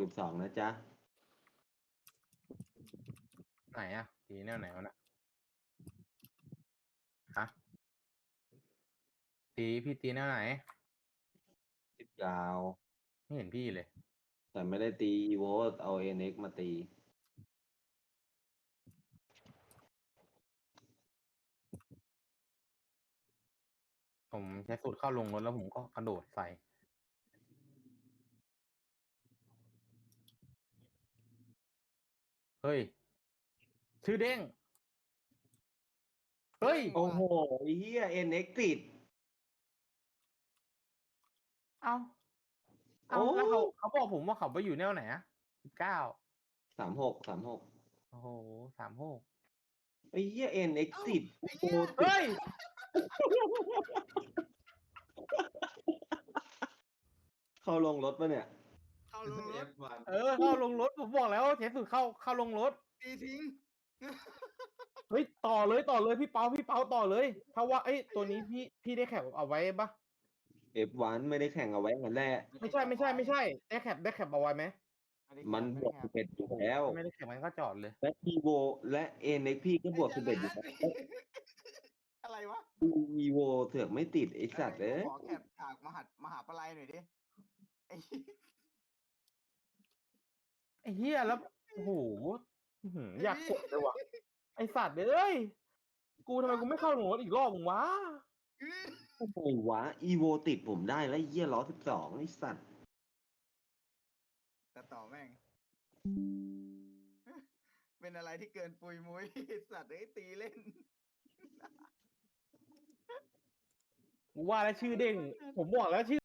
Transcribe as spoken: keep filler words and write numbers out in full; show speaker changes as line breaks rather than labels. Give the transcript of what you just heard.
สิบสองนะจ๊ะ
ไหนอะตีแนวไหนวะน่ะฮะตีพี่ตีแนวไหน
สิบยาว
ไม่เห็นพี่เลย
แต่ไม่ได้ตีอีโวเอาเอ็นเอ็กมาตี
ผมใช้สูตรเข้าลงรถแล้วผมก็กระโดดใส่เฮ้ยชื่อเด้งเฮ้ย
โอ้โหไอ้เหี้ยเอ็นเอ็กติด
เอาเอา
โอ้
แล้วเขาเขาบอกผมว่าเขาไปอยู่แนวไหนอะสิบเก้า
สามหกสามหก
โอ้โหสามหก
ไอ้เหี้ยเอ็นเอ็กติดโอ้โห
เฮ้ย
เข้าลงรถปะเนี่ย
เข้าลงรถ
เออเข้าลงรถผมบอกแล้วใช้สูตรเข้าเข้าลงรถ
ตีทิ้ง
เฮ้ยต่อเลยต่อเลยพี่เปาพี่เปาต่อเลยเพราะว่าเอ้ยตัวนี้พี่พี่ได้แคปเอาไว้ปะ
เอฟวันไม่ได้แข่งเอาไว้กันแรก
ไม่ใช่ไม่ใช่ไม่ใช่ได้แคปได้แคปเอาไว้ไหม
มันบวกสิบเอ็ดอยู่แล้ว
ไม่ได้แคปมันก็จอดเลย
และอีโวและเอ็นเอ็กพี่ก็บวกสิบเอ็ดอยู่แล้ว
อะไรวะ
อีโวเถือกไม่ติดไอสัตว์เอ้ย
ขอแคปฉากมหามหาปลัยหน่อยดิไอ้
ไอ้เหี้ยแล้วโอ้โหอื้อหืออยากกดเลยว่ะไอสัตว์เอ้ยกูทำไมกูไม่เข้าลงรถอีกรอบมึงวะ
โอ้โหวะอีโวติดผมได้แล้วเยี่ยล้อสิบสองไอสัตว์
แต่ต่อแม่ง เป็นอะไรที่เกินปุยมุ้ยสัตว์ไอ้ยตีเล่น
กูว่าแล้วชื่อเด้งผมบอกแล้วชื่อ